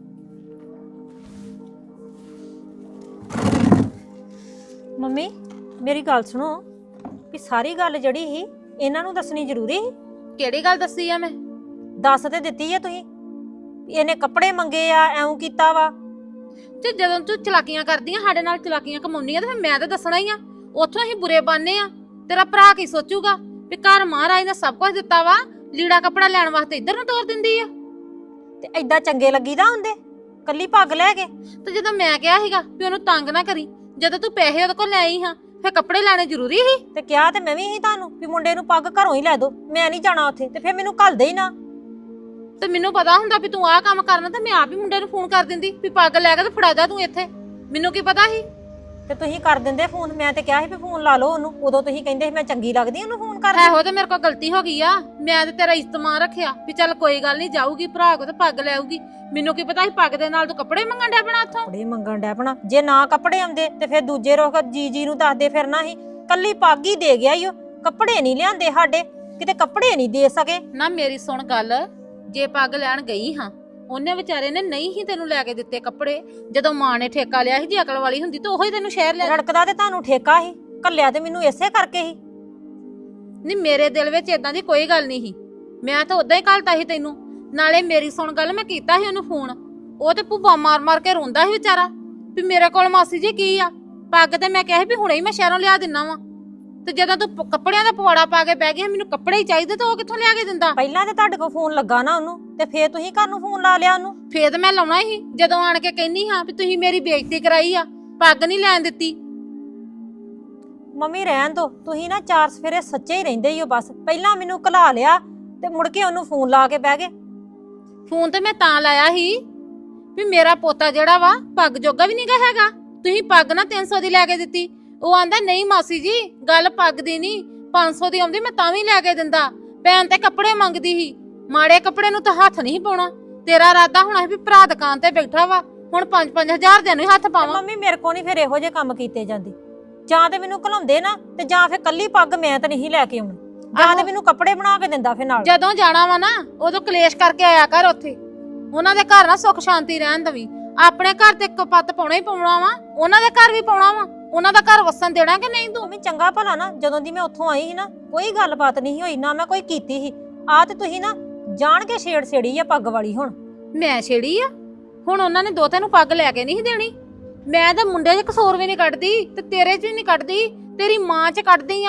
B: ਮੰਮੀ ਮੇਰੀ ਗੱਲ ਸੁਣੋ, ਵੀ ਸਾਰੀ ਗੱਲ ਜਿਹੜੀ ਸੀ ਇਹਨਾਂ ਨੂੰ ਦੱਸਣੀ ਜ਼ਰੂਰੀ ਸੀ?
E: ਕਿਹੜੀ ਗੱਲ ਦੱਸੀ ਆ ਮੈਂ?
B: ਦੱਸ ਤੇ ਦਿੱਤੀ ਹੈ ਤੁਸੀਂ, ਇਹਨੇ ਕੱਪੜੇ ਮੰਗੇ ਆ, ਐਉਂ ਕੀਤਾ ਵਾ।
E: ਤੇ ਜਦੋਂ ਤੂੰ ਚਲਾਕੀਆਂ ਕਰਦੀਆਂ ਸਾਡੇ ਨਾਲ, ਚਲਾਕੀਆਂ ਕਮਾਉਂਦੀਆਂ, ਤੇ ਫਿਰ ਮੈਂ ਤਾਂ ਦੱਸਣਾ ਹੀ ਆ। ਉੱਥੋਂ ਅਸੀਂ ਬੁਰੇ ਬਾਨੇ ਆ, ਤੇਰਾ ਭਰਾ ਕੀ ਸੋਚੂਗਾ ਵੀ ਘਰ ਮਹਾਰਾਜ ਨੇ ਸਭ ਕੁਝ ਦਿੱਤਾ ਵਾ, ਲੀੜਾ ਕੱਪੜਾ ਲੈਣ ਵਾਸਤੇ ਇੱਧਰ ਨੂੰ ਤੋਰ ਦਿੰਦੀ ਆ।
B: ਤੇ ਐਦਾਂ ਚੰਗੇ ਲੱਗੀਦਾ ਹੁੰਦੇ ਕੱਲੀ ਪੱਗ ਲੈ ਕੇ?
E: ਤੇ ਜਦੋਂ ਮੈਂ ਕਿਹਾ ਸੀਗਾ ਵੀ ਉਹਨੂੰ ਤੰਗ ਨਾ ਕਰੀ, ਜਦੋਂ ਤੂੰ ਪੈਸੇ ਉਹਦੇ ਕੋਲ ਲੈ ਆਈ ਹਾਂ, ਫਿਰ ਕੱਪੜੇ ਲੈਣੇ ਜ਼ਰੂਰੀ ਸੀ?
B: ਤੇ ਕਿਹਾ ਤੇ ਮੈਂ ਵੀ ਸੀ ਤੁਹਾਨੂੰ ਵੀ ਮੁੰਡੇ ਨੂੰ ਪੱਗ ਘਰੋਂ ਹੀ ਲੈ ਦੋ, ਮੈਂ ਨਹੀਂ ਜਾਣਾ ਉੱਥੇ। ਤੇ ਫਿਰ ਮੈਨੂੰ ਘੱਲਦੇ ਹੀ ਨਾ।
E: ਤੇ ਮੈਨੂੰ ਪਤਾ ਹੁੰਦਾ ਵੀ ਤੂੰ ਆਹ ਕੰਮ ਕਰਨਾ, ਤੇ ਮੈਂ ਆਪ ਹੀ ਮੁੰਡੇ ਨੂੰ ਫੋਨ ਕਰ ਦਿੰਦੀ ਵੀ ਪੱਗ ਲੈ ਕੇ ਤੇ ਫੜਾ ਜਾ ਤੂੰ ਇੱਥੇ। ਮੈਨੂੰ ਕੀ ਪਤਾ ਸੀ?
B: ਤੇ ਤੁਸੀਂ ਕਰ ਦਿੰਦੇ ਫੋਨ, ਮੈਂ ਤੇ ਕਿਹਾ ਸੀ ਵੀ ਫੋਨ ਲਾ ਲਓ ਉਹਨੂੰ, ਉਦੋਂ ਤੁਸੀਂ ਕਹਿੰਦੇ ਸੀ ਮੈਂ ਚੰਗੀ ਲੱਗਦੀ ਉਹਨੂੰ ਫੋਨ ਕਰ।
E: ਇਹੋ ਤੇ ਮੇਰੇ ਕੋਲ ਗਲਤੀ ਹੋ ਗਈ ਆ, ਮੈਂ ਤੇ ਤੇਰਾ ਇਸਤਮਾਨ ਰੱਖਿਆ ਵੀ ਚੱਲ ਕੋਈ ਗੱਲ ਨਹੀਂ, ਜਾਊਗੀ ਭਰਾ ਕੋ ਤੇ ਪੱਗ ਲੈ ਆਊਗੀ। ਮੈਨੂੰ ਕੀ ਪਤਾ ਸੀ ਪੱਗ ਦੇ ਨਾਲ ਤੂੰ ਕੱਪੜੇ ਮੰਗਣ ਡਿਆ ਬਣਾ ਉੱਥੋਂ।
B: ਕੱਪੜੇ ਮੰਗਣ ਡਿਆ ਪਣਾ? ਜੇ ਨਾ ਕੱਪੜੇ ਆਉਂਦੇ ਤੇ ਫਿਰ ਦੂਜੇ ਰੋਕ ਜੀ ਜੀ ਨੂੰ ਦੱਸਦੇ ਫਿਰਨਾ ਸੀ। ਕੱਲੀ ਪੱਗ ਹੀ ਦੇ ਗਿਆ ਈ ਉਹ, ਕੱਪੜੇ ਨਹੀਂ ਲਿਆਂਦੇ ਸਾਡੇ, ਕਿਤੇ ਕੱਪੜੇ ਨਹੀਂ ਦੇ ਸਕੇ।
E: ਨਾ ਮੇਰੀ ਸੁਣ ਗੱਲ, ਜੇ ਪੱਗ ਲੈਣ ਗਈ ਹਾਂ, ਉਹਨੇ ਵਿਚਾਰੇ ਨੇ ਨਹੀਂ ਹੀ ਤੈਨੂੰ ਲੈ ਕੇ ਦਿੱਤੇ ਕੱਪੜੇ। ਜਦੋਂ ਮਾਂ ਨੇ ਠੇਕਾ ਲਿਆ ਸੀ, ਜੇ ਅਕਲ ਵਾਲੀ ਹੁੰਦੀ ਤਾਂ ਉਹੀ ਤੈਨੂੰ ਸ਼ਹਿਰ ਲੈ।
B: ਰੜਕਦਾ ਤੇ ਤੁਹਾਨੂੰ ਠੇਕਾ ਸੀ, ਕੱਲਿਆ ਤੇ ਮੈਨੂੰ ਇਸੇ ਕਰਕੇ ਸੀ।
E: ਨਹੀਂ ਮੇਰੇ ਦਿਲ ਵਿੱਚ ਇਦਾਂ ਦੀ ਕੋਈ ਗੱਲ ਨਹੀਂ ਸੀ, ਮੈਂ ਤਾਂ ਉਦਾਂ ਹੀ ਘਲਤਾ ਸੀ ਤੈਨੂੰ। ਨਾਲੇ ਮੇਰੀ ਸੁਣ ਗੱਲ, ਮੈਂ ਕੀਤਾ ਸੀ ਉਹਨੂੰ ਫੋਨ, ਉਹ ਤੇ ਭੁੱਬਾ ਮਾਰ ਮਾਰ ਕੇ ਰੋਂਦਾ ਸੀ ਵਿਚਾਰਾ ਵੀ ਮੇਰੇ ਕੋਲ ਮਾਸੀ ਜੀ ਕੀ ਆ ਪੱਗ। ਤੇ ਮੈਂ ਕਿਹਾ ਵੀ ਹੁਣੇ ਹੀ ਮੈਂ ਸ਼ਹਿਰੋਂ ਲਿਆ ਦਿੰਨਾ ਵਾ, ਤੇ ਜਦੋਂ ਤੂੰ ਕੱਪੜਿਆਂ ਦਾ ਪਵਾੜਾ ਪਾ ਕੇ ਬਹਿ ਗਿਆ ਮੈਨੂੰ ਕੱਪੜੇ ਹੀ ਚਾਹੀਦੇ, ਤਾਂ ਉਹ ਕਿੱਥੋਂ ਲਿਆ ਕੇ ਦਿੰਦਾ?
B: ਪਹਿਲਾਂ ਤੇ ਤੁਹਾਡੇ ਕੋਲ ਫੋਨ ਲੱਗਾ ਨਾ ਉਹਨੂੰ, ਤੇ ਫੇਰ ਤੁਸੀਂ ਘਰ ਨੂੰ ਫੋਨ ਲਾ ਲਿਆ ਉਹਨੂੰ।
E: ਫੇਰ ਮੈਂ ਲਾਉਣਾ ਹੀ ਜਦੋਂ ਆਣ ਕੇ ਕਹਿੰਨੀ ਹਾਂ ਵੀ ਤੁਸੀਂ ਮੇਰੀ ਬੇਇੱਜ਼ਤੀ ਕਰਾਈ ਆ, ਪੱਗ ਨਹੀਂ ਲੈਣ ਦਿੱਤੀ।
B: ਮੰਮੀ ਰਹਿਣ ਦੋ, ਤੁਸੀਂ ਨਾ ਚਾਰ ਸਫੇਰੇ ਸੱਚੇ ਹੀ ਰਹਿੰਦੇ ਹੀ ਹੋ ਬਸ। ਪਹਿਲਾਂ ਮੈਨੂੰ ਘਲਾ ਲਿਆ ਤੇ ਮੁੜ ਕੇ ਉਹਨੂੰ ਫੋਨ ਲਾ ਕੇ ਬਹਿ ਗਏ।
E: ਫੋਨ ਤੇ ਮੈਂ ਤਾਂ ਲਾਇਆ ਸੀ ਵੀ ਮੇਰਾ ਪੋਤਾ ਜਿਹੜਾ ਵਾ ਪੱਗ ਜੋਗਾ ਵੀ ਨਹੀਂਗਾ ਹੈਗਾ, ਤੁਸੀਂ ਪੱਗ ਨਾ ਤਿੰਨ ਸੌ ਦੀ ਲੈ ਕੇ ਦਿੱਤੀ। ਉਹ ਆਂਦਾ ਨਹੀਂ ਮਾਸੀ ਜੀ ਗੱਲ ਪੱਗ ਦੀ ਨਹੀਂ, ਪੰਜ ਸੌ ਦੀ ਆਉਂਦੀ ਮੈਂ ਤਾਂ ਵੀ ਲੈ ਕੇ ਦਿੰਦਾ। ਭੈਣ ਤੇ ਕੱਪੜੇ ਮੰਗਦੀ ਸੀ, ਮਾੜੇ ਕੱਪੜੇ ਨੂੰ ਤਾਂ ਹੱਥ ਨਹੀਂ ਪਾਉਣਾ। ਤੇਰਾ ਇਰਾਦਾ ਹੋਣਾ ਸੀ ਵੀ ਭਰਾ ਦੁਕਾਨ ਤੇ ਬੈਠਾ ਵਾ, ਹੁਣ ਪੰਜ ਪੰਜ ਹਜ਼ਾਰ ਦੇ ਨੂੰ ਹੱਥ ਪਾਵਾਂ।
B: ਮੰਮੀ ਮੇਰੇ ਕੋ ਨਹੀਂ ਫਿਰ ਇਹੋ ਜਿਹੇ ਕੰਮ ਕੀਤੇ ਜਾਂਦੇ। ਜਾਂ ਤੇ ਮੈਨੂੰ ਘਲਾਉਂਦੇ ਨਾ, ਤੇ ਜਾਂ ਫਿਰ ਕੱਲੀ ਪੱਗ ਮੈਂ ਤਾਂ ਨਹੀਂ ਲੈ ਕੇ ਆਉਣੀ, ਜਾਂ ਤੇ ਮੈਨੂੰ ਕੱਪੜੇ ਬਣਾ ਕੇ ਦਿੰਦਾ ਫਿਰ ਨਾਲ।
E: ਜਦੋਂ ਜਾਣਾ ਵਾ ਨਾ ਉਦੋਂ ਕਲੇਸ਼ ਕਰਕੇ ਆਇਆ ਕਰ ਉੱਥੇ, ਉਹਨਾਂ ਦੇ ਘਰ ਨਾ ਸੁੱਖ ਸ਼ਾਂਤੀ ਰਹਿਣ ਦਵੀਂ। ਆਪਣੇ ਘਰ ਤੇ ਇੱਕ ਪੱਤ ਪਾਉਣਾ ਹੀ ਪਾਉਣਾ ਵਾ, ਉਹਨਾਂ ਦੇ ਘਰ ਵੀ ਪਾਉਣਾ ਵਾ। ਉਹਨਾਂ ਦਾ ਘਰ ਵਸਣ ਦੇਣਾ ਕਿ ਨਹੀਂ ਤੂੰ?
B: ਮੰਮੀ ਚੰਗਾ ਭਲਾ ਨਾ ਜਦੋਂ ਦੀ ਮੈਂ ਉੱਥੋਂ ਆਈ ਸੀ ਨਾ, ਕੋਈ ਗੱਲਬਾਤ ਨਹੀਂ ਹੋਈ, ਨਾ ਮੈਂ ਕੋਈ ਕੀਤੀ ਸੀ। ਆ ਤੇ ਤੁਸੀਂ ਨਾ ਜਾਣ ਕੇ ਛੇੜ ਛੇੜੀ ਆ ਪੱਗ ਵਾਲੀ। ਹੁਣ
E: ਮੈਂ ਛੇੜੀ ਆ? ਹੁਣ ਉਹਨਾਂ ਨੇ ਦੋਤੇ ਨੂੰ ਪੱਗ ਲੈ ਕੇ ਨਹੀਂ ਦੇਣੀ। ਮੈਂ ਤਾਂ ਮੁੰਡੇ 'ਚ ਕਸੂਰ ਵੀ ਨਹੀਂ ਕੱਢਦੀ ਤੇ ਤੇਰੇ 'ਚ ਵੀ ਨਹੀਂ ਕੱਢਦੀ, ਤੇਰੀ ਮਾਂ 'ਚ ਕੱਢਦੀ ਆ।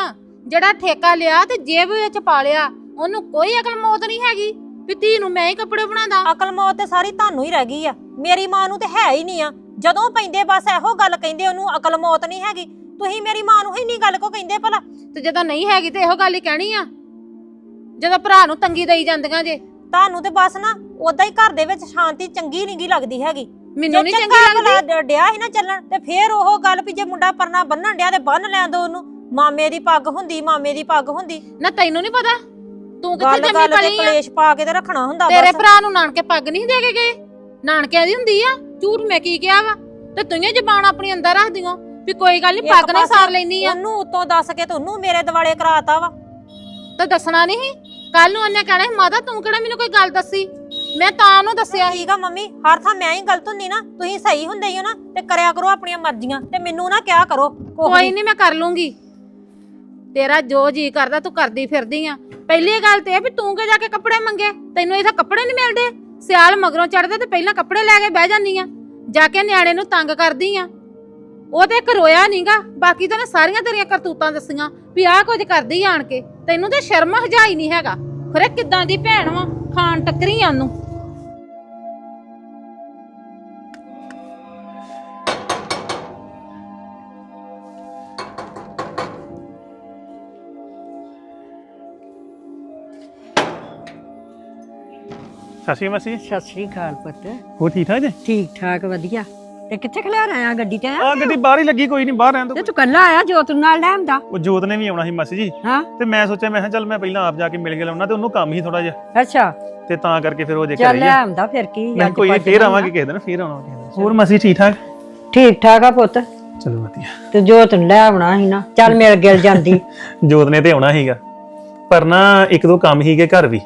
B: ਜਿਹੜਾ ਠੇਕਾ ਲਿਆ ਤੇ ਜੇਬ ਵਿੱਚ ਪਾ ਲਿਆ, ਉਹਨੂੰ ਕੋਈ ਅਕਲ ਮੌਤ ਨਹੀਂ ਹੈਗੀ ਵੀ ਧੀ ਨੂੰ ਮੈਂ ਹੀ ਕੱਪੜੇ ਬਣਾਦਾ।
E: ਅਕਲ ਮੌਤ ਤੇ ਸਾਰੀ ਤੁਹਾਨੂੰ ਹੀ ਰਹਿ ਗਈ ਆ, ਮੇਰੀ ਮਾਂ ਨੂੰ ਤੇ ਹੈ ਹੀ ਨਹੀਂ ਆ। ਜਦੋਂ ਪੈਂਦੇ ਬਸ ਇਹੋ ਗੱਲ ਕਹਿੰਦੇ ਉਹਨੂੰ ਅਕਲ ਮੌਤ ਨਹੀਂ ਹੈਗੀ। ਤੁਸੀਂ ਮੇਰੀ ਮਾਂ ਨੂੰ ਹੀ ਨਹੀਂ ਗੱਲ ਕੋ ਕਹਿੰਦੇ ਭਲਾ?
B: ਤੇ ਜਦੋਂ ਨਹੀਂ ਹੈਗੀ ਤੇ ਇਹੋ ਗੱਲ ਹੀ ਕਹਿਣੀ ਆ, ਜਦੋਂ ਭਰਾ ਨੂੰ ਤੰਗੀ ਦੇਈ ਜਾਂਦੀਆਂ ਜੇ।
E: ਤੁਹਾਨੂੰ ਤੇ ਬਸ ਨਾ ਉਦਾਂ ਹੀ ਘਰ ਦੇ ਵਿੱਚ ਸ਼ਾਂਤੀ ਚੰਗੀ ਨਹੀਂ ਗੀ ਲੱਗਦੀ ਹੈਗੀ।
B: ਮੈਨੂੰ ਨਹੀਂ
E: ਜੇ
B: ਚੰਗੀ
E: ਚੰਗਾ
B: ਲੱਗਦੀ।
E: ਭਲਾ ਡਿਆ ਸੀ ਨਾ ਚੱਲਣ ਤੇ ਫੇਰ ਉਹ ਗੱਲ ਵੀ ਜੇ ਮੁੰਡਾ ਪਰਨਾ ਬੰਨਣ ਡਿਆ ਤੇ ਬੰਨ ਲੈਣ ਦੋ ਉਹਨੂੰ। ਮਾਮੇ ਦੀ ਪੱਗ ਹੁੰਦੀ, ਮਾਮੇ ਦੀ ਪੱਗ ਹੁੰਦੀ।
B: ਨਾ ਤੈਨੂੰ ਨਹੀਂ ਪਤਾ ਤੂੰ ਕਿੱਥੇ
E: ਗੱਲ
B: ਜੰਮੀ
E: ਗੱਲ ਤੇ
B: ਪਲੀ ਆ?
E: ਕਲੇਸ਼ ਪਾ ਕੇ ਤੇ ਰੱਖਣਾ ਹੁੰਦਾ
B: ਤੇਰੇ
E: ਬਸ।
B: ਭਰਾ ਨੂੰ ਨਾਨਕੇ ਪੱਗ ਨਹੀਂ ਦੇ ਕੇ ਗਏ? ਨਾਨਕਿਆਂ ਦੀ ਹੁੰਦੀ ਆ, ਝੂਠ ਮੈਂ ਕੀ ਕਿਹਾ ਵਾ? ਤੇ ਤੂੰ ਹੀ ਜ਼ਬਾਨ ਆਪਣੀ ਅੰਦਰ ਰੱਖਦੀਆਂ ਵੀ ਕੋਈ ਗੱਲ ਨਹੀਂ ਪੱਗ ਨਾ ਸਾਰ ਲੈਣੀ ਆ।
E: ਉਹਨੂੰ ਉਤੋਂ ਦੱਸ ਕੇ ਤੁਹਾਨੂੰ ਮੇਰੇ ਦਿਵਾਲੇ ਕਰਾਤਾ ਵਾ।
B: ਤੇ ਦੱਸਣਾ ਨਹੀਂ? ਕੱਲ ਨੂੰ ਉਹਨੇ ਕਹਿਣਾ ਸੀ ਮਾਤਾ ਤੂੰ ਕਿਹੜਾ ਮੈਨੂੰ ਕੋਈ ਗੱਲ ਦੱਸੀ, ਮੈਂ ਤਾਂ ਉਹਨੂੰ ਦੱਸਿਆ ਸੀ।
E: ਠੀਕ ਆ ਮੰਮੀ, ਹਰ ਥਾਂ ਮੈਂ ਹੀ ਗਲਤ ਹੁੰਦੀ ਨਾ। ਤੁਸੀਂ ਸਹੀ ਹੁੰਦੇ ਹੀ ਹੋ ਨਾ, ਤੇ ਕਰਿਆ ਕਰੋ ਆਪਣੀਆਂ ਮਰਜ਼ੀਆਂ ਤੇ ਮੈਨੂੰ ਨਾ ਕਿਹਾ ਕਰੋ।
B: ਕੋਈ ਨਹੀਂ ਮੈਂ ਕਰ ਲੂੰਗੀ, ਤੇਰਾ ਜੋ ਜੀ ਕਰਦਾ ਤੂੰ ਕਰਦੀ ਫਿਰਦੀ ਆ। ਪਹਿਲੀ ਗੱਲ ਤੇ ਇਹ ਵੀ ਤੂੰ ਕਿ ਜਾ ਕੇ ਕੱਪੜੇ ਮੰਗੇ, ਤੈਨੂੰ ਇੱਥੇ ਕੱਪੜੇ ਨਹੀਂ ਮਿਲਦੇ? ਸਿਆਲ ਮਗਰੋਂ ਚੜਦੇ ਤੇ ਪਹਿਲਾਂ ਕੱਪੜੇ ਲੈ ਕੇ ਬਹਿ ਜਾਂਦੀ ਆ, ਜਾ ਕੇ ਨਿਆਣੇ ਨੂੰ ਤੰਗ ਕਰਦੀ ਆ। ਉਹ ਤੇ ਇੱਕ ਰੋਇਆ ਨਹੀਂਗਾ, ਬਾਕੀ ਤਾਂ ਸਾਰੀਆਂ ਤੇਰੀਆਂ ਕਰਤੂਤਾਂ ਦੱਸੀਆਂ ਵੀ ਆਹ ਕੁਝ ਕਰਦੀ ਆਣ ਕੇ। ਤੈਨੂੰ ਤੇ ਸ਼ਰਮ ਹਜਾਈ ਨਹੀਂ ਹੈਗਾ। ਖਰੇ ਕਿੱਦਾਂ ਦੀ ਭੈਣ ਵਾ, ਖਾਣ ਟੱਕਰੀ ਆ ਉਹਨੂੰ।
F: ਸਤਿ ਸ਼੍ਰੀ ਅਕਾਲ ਮਾਸੀ।
A: ਸਤਿ ਸ੍ਰੀ ਅਕਾਲ ਪੁੱਤ।
F: ਹੋਰ ਠੀਕ ਠਾਕ ਜੀ?
A: ਠੀਕ ਠਾਕ ਵਧੀਆ। ਤੇ ਕਿੱਥੇ ਖਲਿਆ ਆਇਆ ਗੱਡੀ ਤੇ ਆਇਆ?
F: ਆ ਗੱਡੀ ਬਾਹਰ ਹੀ ਲੱਗੀ, ਕੋਈ ਨਹੀਂ ਬਾਹਰ ਰਹਿਣ
A: ਤੇ
F: ਦੋ।
A: ਤੂੰ ਕੱਲਾ ਆਇਆ ਜੋਤ ਨੂੰ ਨਾਲ ਲੈ ਆਂਦਾ?
F: ਉਹ ਜੋਤ ਨੇ ਵੀ ਆਉਣਾ ਸੀ ਮਾਸੀ ਜੀ,
A: ਹਾਂ
F: ਤੇ ਮੈਂ ਸੋਚਿਆ ਮੈਂ ਕਿਹਾ ਚੱਲ ਮੈਂ ਪਹਿਲਾਂ ਆਪ ਜਾ ਕੇ ਮਿਲ ਕੇ ਲਾਉਣਾ, ਤੇ ਉਹਨੂੰ ਕੰਮ ਹੀ ਥੋੜਾ ਜਿਹਾ,
A: ਅੱਛਾ
F: ਤੇ ਤਾਂ ਕਰਕੇ ਫਿਰ ਉਹ ਜੇ
A: ਚੱਲ
F: ਕਰੀ
A: ਲੈ
F: ਆ।
A: ਆਂਦਾ ਫਿਰ ਕੀ।
F: ਮੈਂ
A: ਅੱਜ
F: ਕੋਈ ਨੀ,
A: ਭੱਜ
F: ਫੇਰ
A: ਜਾਣਾ।
F: ਆਵਾਂਗੇ ਕਿਸੇ ਦਿਨ, ਫੇਰ ਆਉਣਾ ਕਿਸੇ ਦਿਨ। ਹੋਰ ਮਾਸੀ ਠੀਕ ਠਾਕ?
A: ਠੀਕ ਠਾਕ ਆ ਪੁੱਤ।
F: ਚਲੋ ਵਧੀਆ।
A: ਤੇ ਜੋਤ ਨੂੰ ਲੈ ਆਉਣਾ ਸੀ ਨਾ, ਚੱਲ ਮਿਲ ਗਿਲ ਜਾਂਦੀ।
F: ਜੋਤ ਨੇ ਤੇ ਆਉਣਾ ਸੀਗਾ, ਪਰ ਨਾ ਇੱਕ ਦੋ ਕੰਮ ਸੀਗੇ ਘਰ ਵੀ,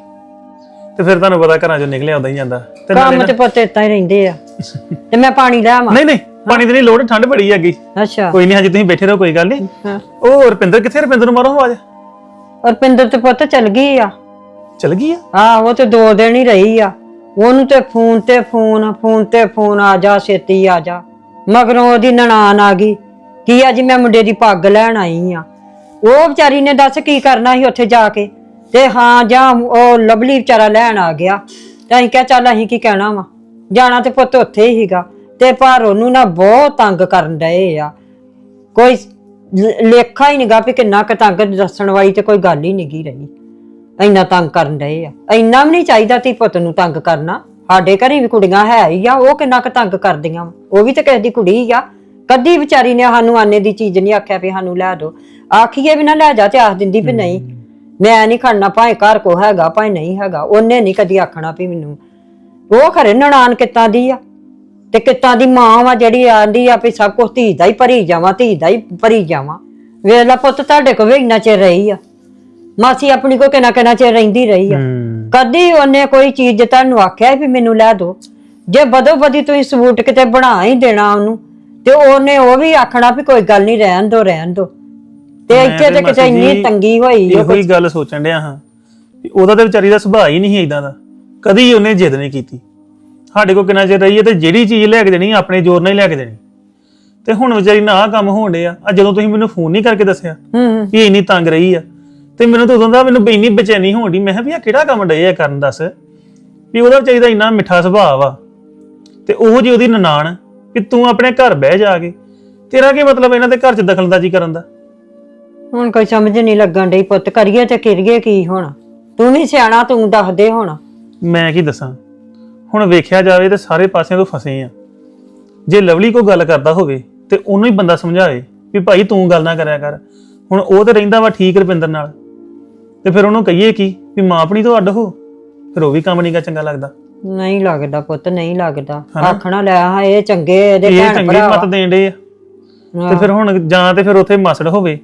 F: ਤੇ ਫਿਰ ਤੁਹਾਨੂੰ ਪਤਾ ਘਰਾਂ ਚੋਂ ਨਿਕਲਿਆ ਉਦਾਂ ਹੀ ਜਾਂਦਾ। ਤੇ ਨਾਲੇ
A: ਕੰਮ
F: ਨਾ-
A: ਤੇ ਪੁੱਤ ਏਦਾਂ ਹੀ ਰਹਿੰਦੇ ਆ। ਤੇ ਮੈਂ ਪਾਣੀ ਲੈ ਆਵਾਂ?
F: ਨਹੀਂ ਨਹੀਂ ਪਾਣੀ ਦੀ ਨਹੀਂ ਲੋੜ, ਠੰਡ ਬੜੀ ਹੈਗੀ।
A: ਅੱਛਾ
F: ਕੋਈ ਨਹੀਂ, ਹਜੇ ਤੁਸੀਂ ਬੈਠੇ ਰਹੋ, ਕੋਈ ਗੱਲ ਨਹੀਂ।
A: ਹਾਂ।
F: ਉਹ ਰੁਪਿੰਦਰ ਕਿੱਥੇ? ਰੁਪਿੰਦਰ ਨੂੰ ਮਾਰੋ ਆਵਾਜ਼।
A: ਰੁਪਿੰਦਰ ਤੇ ਪੁੱਤ ਚਲ ਗਈ ਆ।
F: ਚਲ ਗਈ ਆ?
A: ਹਾਂ ਉਹ ਤੇ ਦੋ ਦਿਨ ਹੀ ਰਹੀ ਆ। ਉਹਨੂੰ ਤੇ ਫੋਨ ਤੇ ਫੋਨ ਫੋਨ ਤੇ ਫੋਨ, ਆ ਜਾ ਛੇਤੀ ਆ ਜਾ। ਮਗਰੋਂ ਉਹਦੀ ਨਨਾਣ ਆ ਗਈ ਕਿ ਅੱਜ ਮੈਂ ਮੁੰਡੇ ਦੀ ਪੱਗ ਲੈਣ ਆਈ ਆ। ਉਹ ਵਿਚਾਰੀ ਨੇ ਦੱਸ ਕੀ ਕਰਨਾ ਸੀ ਉੱਥੇ ਜਾ ਕੇ। ਤੇ ਹਾਂ ਜਾਂ ਉਹ ਲਵਲੀ ਵਿਚਾਰਾ ਲੈਣ ਆ ਗਿਆ, ਤੇ ਅਸੀਂ ਕਿਹਾ ਚੱਲ ਅਸੀਂ ਕੀ ਕਹਿਣਾ ਵਾ, ਜਾਣਾ ਤੇ ਪੁੱਤ ਉੱਥੇ ਹੀ ਸੀਗਾ। ਤੇ ਪਰ ਉਹਨੂੰ ਨਾ ਬਹੁਤ ਤੰਗ ਕਰਨ ਡਏ ਆ, ਕੋਈ ਲ- ਲੇਖਾ ਹੀ ਨਹੀਂਗਾ ਵੀ ਕਿੰਨਾ ਕੁ ਤੰਗ, ਦੱਸਣ ਵਾਲੀ ਤੇ ਕੋਈ ਗੱਲ ਹੀ ਨਹੀਂਗੀ ਰਹੀ। ਇੰਨਾ ਤੰਗ ਕਰਨ ਡਏ ਆ। ਇੰਨਾ ਵੀ ਨਹੀਂ ਚਾਹੀਦਾ ਤੀ ਪੁੱਤ ਨੂੰ ਤੰਗ ਕਰਨਾ। ਸਾਡੇ ਘਰੇ ਵੀ ਕੁੜੀਆਂ ਹੈ ਹੀ ਆ, ਉਹ ਕਿੰਨਾ ਕੁ ਤੰਗ ਕਰਦੀਆਂ ਵਾ। ਉਹ ਵੀ ਤੇ ਕਿਸੇ ਦੀ ਕੁੜੀ ਹੀ ਆ। ਕਦੀ ਵਿਚਾਰੀ ਨੇ ਸਾਨੂੰ ਆਨੇ ਦੀ ਚੀਜ਼ ਨਹੀਂ ਆਖਿਆ ਵੀ ਸਾਨੂੰ ਲੈ ਦੋ। ਆਖੀਏ ਵੀ ਨਾ ਲੈ ਜਾ ਤੇ ਆਖ ਦਿੰਦੀ ਵੀ ਨਹੀਂ ਮੈਂ ਨਹੀਂ ਖੜਨਾ, ਭਾਵੇਂ ਘਰ ਕੋ ਹੈਗਾ ਭਾਵੇਂ ਨਹੀਂ ਹੈਗਾ। ਉਹਨੇ ਨਹੀਂ ਕਦੀ ਆਖਣਾ ਵੀ ਮੈਨੂੰ। ਉਹ ਖਰੇ ਨਨਾਣ ਕਿੱਤਾਂ ਦੀ ਆ, ਤੇ ਕਿੱਤਾਂ ਦੀ ਮਾਂ ਵਾ ਜਿਹੜੀ ਆਂਦੀ ਆ ਵੀ ਸਭ ਕੁਝ ਧੀ ਦਾ ਹੀ ਭਰੀ ਜਾਵਾਂ, ਧੀ ਦਾ ਹੀ ਭਰੀ ਜਾਵਾਂ। ਵੇਖ ਲਾ ਪੁੱਤ ਤੁਹਾਡੇ ਕੋਲ ਵੀ ਇੰਨਾ ਚਿਰ ਰਹੀ ਆ, ਮਾਸੀ ਆਪਣੀ ਕੋ ਕਿੰਨਾ ਕਿੰਨਾ ਚਿਰ ਰਹਿੰਦੀ ਰਹੀ ਆ। ਕਦੀ ਉਹਨੇ ਕੋਈ ਚੀਜ਼ ਤੁਹਾਨੂੰ ਆਖਿਆ ਵੀ ਮੈਨੂੰ ਲੈ ਦੋ? ਜੇ ਬਦੋ ਬਦੀ ਤੁਸੀਂ ਸਬੂਤ ਕਿਤੇ ਬਣਾ ਹੀ ਦੇਣਾ ਉਹਨੂੰ, ਤੇ ਉਹਨੇ ਉਹ ਵੀ ਆਖਣਾ ਵੀ ਕੋਈ ਗੱਲ ਨਹੀਂ, ਰਹਿਣ ਦੋ ਰਹਿਣ ਦੋ। ਤੇ ਇੱਥੇ ਤੇ ਕਿਤੇ ਇੰਨੀ ਤੰਗੀ ਹੋਈ।
F: ਇਹੋ ਹੀ ਗੱਲ ਸੋਚਣ ਡਿਆ ਹਾਂ, ਉਹਦਾ ਤੇ ਵਿਚਾਰੀ ਦਾ ਸੁਭਾਅ ਹੀ ਨਹੀਂ ਇਦਾਂ ਦਾ, ਕਦੀ ਉਹਨੇ ਜਿੱਦ ਨਹੀਂ ਕੀਤੀ। ਸਾਡੇ ਕੋਲ ਕਿੰਨਾ ਚਿਰ ਰਹੀ ਹੈ, ਤੇ ਜਿਹੜੀ ਚੀਜ਼ ਲੈ ਕੇ ਦੇਣੀ ਆਪਣੇ ਜ਼ੋਰ ਨਾਲ ਹੀ ਲੈ ਕੇ ਦੇਣੀ। ਤੇ ਹੁਣ ਵਿਚਾਰੀ ਨਾ ਆਹ ਕੰਮ ਹੋਣ ਡਿਆ। ਆ ਜਦੋਂ ਤੁਸੀਂ ਮੈਨੂੰ ਫੋਨ ਨਹੀਂ ਕਰਕੇ ਦੱਸਿਆ
A: ਹੂੰ
F: ਵੀ ਇੰਨੀ ਤੰਗ ਰਹੀ ਆ, ਤੇ ਮੈਨੂੰ ਤਾਂ ਉਦੋਂ ਦਾ ਮੈਨੂੰ ਇੰਨੀ ਬੇਚੈਨੀ ਹੋਣ ਡਈ। ਮੈਂ ਕਿਹਾ ਵੀ ਆ ਕਿਹੜਾ ਕੰਮ ਡਏ ਆ ਕਰਨ, ਦੱਸ ਵੀ ਉਹਦਾ ਵਿਚਾਰੀ ਦਾ ਇੰਨਾ ਮਿੱਠਾ ਸੁਭਾਅ ਵਾ, ਤੇ ਉਹ ਜੀ ਉਹਦੀ ਨਨਾਣ ਵੀ ਤੂੰ ਆਪਣੇ ਘਰ ਬਹਿ ਜਾ ਕੇ, ਤੇਰਾ ਕੀ ਮਤਲਬ ਇਹਨਾਂ ਦੇ ਘਰ 'ਚ ਦਖਲਅੰਦਾਜ਼ੀ ਕਰਨ ਦਾ?
A: ਹੁਣ ਕੋਈ ਸਮਝ ਨਹੀਂ ਲੱਗਣ ਡਈ ਪੁੱਤ, ਕਰੀਏ ਤੇ ਕਰੀਏ ਕੀ ਹੁਣ? ਤੂੰ ਵੀ ਸਿਆਣਾ, ਤੂੰ ਦੱਸ ਦੇ ਹੁਣ।
F: ਮੈਂ ਕੀ ਦੱਸਾਂ ਹੁਣ? ਵੇਖਿਆ ਜਾਵੇ ਤੇ ਸਾਰੇ ਪਾਸਿਆਂ ਤੋਂ ਫਸੇ ਆ। ਜੇ ਲਵਲੀ ਕੋਈ ਗੱਲ ਕਰਦਾ ਹੋਵੇ ਤੇ ਉਹਨੂੰ ਹੀ ਬੰਦਾ ਸਮਝਾਵੇ ਵੀ ਭਾਈ ਤੂੰ ਗੱਲ ਨਾ ਕਰਿਆ ਕਰ। ਹੁਣ ਉਹ ਤੇ ਰਹਿੰਦਾ ਵਾ ਠੀਕ ਰੁਪਿੰਦਰ ਨਾਲ, ਤੇ ਫਿਰ ਉਹਨੂੰ ਕਹੀਏ ਕੀ ਵੀ ਮਾਂ ਆਪਣੀ ਤੋਂ ਅੱਡ ਹੋ? ਫਿਰ ਉਹ ਵੀ ਕੰਮ ਨਹੀਂਗਾ ਚੰਗਾ ਲੱਗਦਾ।
A: ਨਹੀਂ ਲੱਗਦਾ ਪੁੱਤ, ਨਹੀਂ ਲੱਗਦਾ। ਆਖਣਾ ਲੈ ਹਾਂ ਇਹ ਚੰਗੇ, ਇਹਦੇ
F: ਇਹ
A: ਭੈਣ
F: ਚੰਗੇ
A: ਭਰਾ
F: ਮਤ ਦੇਣ ਡੇ ਆ। ਤੇ ਫਿਰ ਹੁਣ ਜਾਂ ਤੇ ਫਿਰ ਉੱਥੇ ਮਾਸੜ ਹੋਵੇ,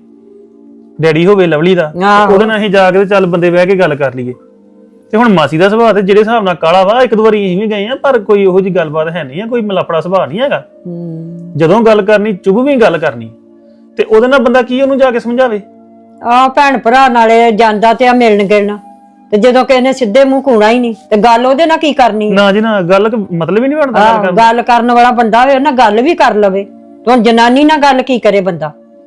F: ਡੈਡੀ ਹੋਵੇ ਲਵਲੀ ਦਾ,
A: ਆਹੋ।
F: ਉਹਦੇ ਨਾਲ ਅਸੀਂ ਜਾ ਕੇ ਤੇ ਚੱਲ ਬੰਦੇ ਬਹਿ ਕੇ ਗੱਲ ਕਰ ਲਈਏ। ਤੇ ਹੁਣ ਮਾਸੀ ਦਾ ਸੁਭਾਅ ਤੇ ਜਿਹੜੇ ਹਿਸਾਬ ਨਾਲ ਕਾਲਾ ਵਾ, ਇੱਕ ਦੋ ਵਾਰੀ ਅਸੀਂ ਵੀ ਗਏ ਆ, ਪਰ ਕੋਈ ਉਹੋ ਜਿਹੀ ਗੱਲਬਾਤ ਹੈ ਨਹੀਂ ਆ, ਕੋਈ ਮਲਾਪੜਾ ਸੁਭਾਅ ਨਹੀਂ ਹੈਗਾ।
A: ਹੂੰ
F: ਜਦੋਂ ਗੱਲ ਕਰਨੀ ਚੁੱਭ ਵੀ ਗੱਲ ਕਰਨੀ, ਤੇ ਉਹਦੇ ਨਾਲ ਬੰਦਾ ਕੀ ਉਹਨੂੰ ਜਾ ਕੇ ਸਮਝਾਵੇ?
A: ਆ ਭੈਣ ਭਰਾ ਨਾਲੇ ਜਾਂਦਾ ਤੇ ਆ ਮਿਲਣ ਗਿਲਣ, ਤੇ ਜਦੋਂ ਕਿਸੇ ਨੇ ਸਿੱਧੇ ਮੂੰਹ ਕੂਣਾ ਹੀ ਨਹੀਂ, ਤੇ ਗੱਲ ਉਹਦੇ ਨਾਲ ਕੀ ਕਰਨੀ?
F: ਨਾ ਜੀ ਨਾ, ਗੱਲ ਕ- ਮਤਲਬ ਹੀ ਨਹੀਂ ਬਣਦਾ ਗੱਲ
A: ਆਹ,
F: ਕਰਨ ਦਾ।
A: ਗੱਲ ਕਰਨ ਵਾਲਾ ਬੰਦਾ ਹੋਵੇ ਨਾ ਗੱਲ ਵੀ ਕਰ ਲਵੇ। ਤੇ ਹੁਣ ਜਨਾਨੀ ਨਾਲ ਗੱਲ ਕੀ ਕਰੇ ਬੰਦਾ?